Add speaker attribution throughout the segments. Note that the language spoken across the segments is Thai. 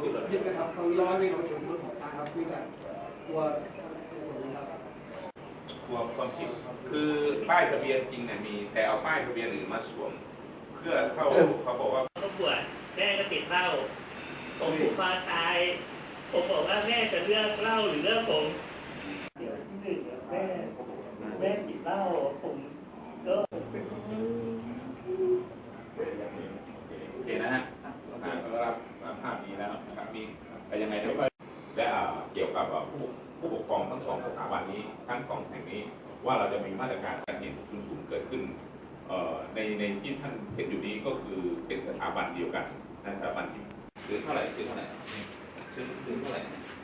Speaker 1: ผิดนะครับเขาย้อนไปของผมครับที่จะกลัว
Speaker 2: ความผิดคือป้ายทะเบียนจริงเนี่ยมีแต่เอาป้ายทะเบียนอื่นมาสวมเพื่อเข้าเขาบอกว่า
Speaker 3: ก็ปวดแม่ก็ติดเหล้าผมผูกคอตายผมบอกว่าแม่จะเลือกเหล้าหรือเลือกผมเดี๋ยวที่หนึ่งแม่ติดเหล้าผมก็
Speaker 2: โอเคนะฮะก็รับภาพนี้แล้วครับมีแต่ยังไงแล้วก็และเกี่ยวกับผู้ปกครองทั้งสองสถาบันนี้ทั้งสองแห่งนี้ว่าเราจะมีมาตรการการเห็นทุนสูงเกิดขึ้นในที่ท่านเห็นอยู่นี้ก็คือเป็นสถาบันเดียวกันในสถาบันที่ซื้อเท่าไหร่ซื้อเท่าไหร่ซื้อเท่าไหร่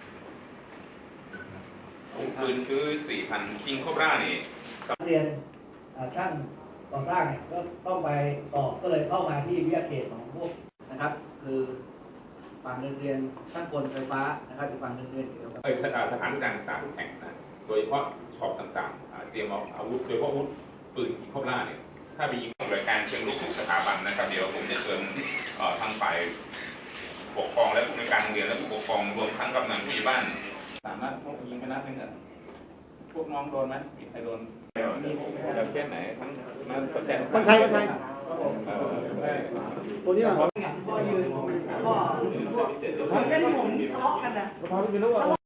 Speaker 2: ปืนซื้อ 4,000 คิงโคบรานี่
Speaker 4: เรียนช่างก่อสร้างเนี่ยก็ต้องไปสอบก็เลยเข้ามาที่วิทยาเขตของพวกนะครับคือฝั่งหนึ่งเรียนช่างกลไฟฟ้านะครับอีกฝั่งหนึ่งเรียนเกี่ยวกับ
Speaker 2: สถานการศึกษาทุกแห่งนะโดยเฉพาะช็อปต่างๆเตรียมอาวุธโดยเฉพาะอาวุธปืนคิงโคบราเนี่ยถ้าไปยิงรายการเชิงลุกทุกสถาบันนะครับเดี๋ยวผมจะเชิญทางฝ่ายปกครองและผู้ในวยการโรงเรียนและผู้ปกครองรวมทั้งกำนันผู้ใหญ่บ้านสามารถพวกยิงไปนัดนึงพวกน้องโดนไหมมีใครโดนแบบแค่ไหนทั้งนั้นสนใจ
Speaker 1: คนใช้ตัวนี้
Speaker 4: ก็ยืนก็มันเป็นผมทะเลาะกันนะ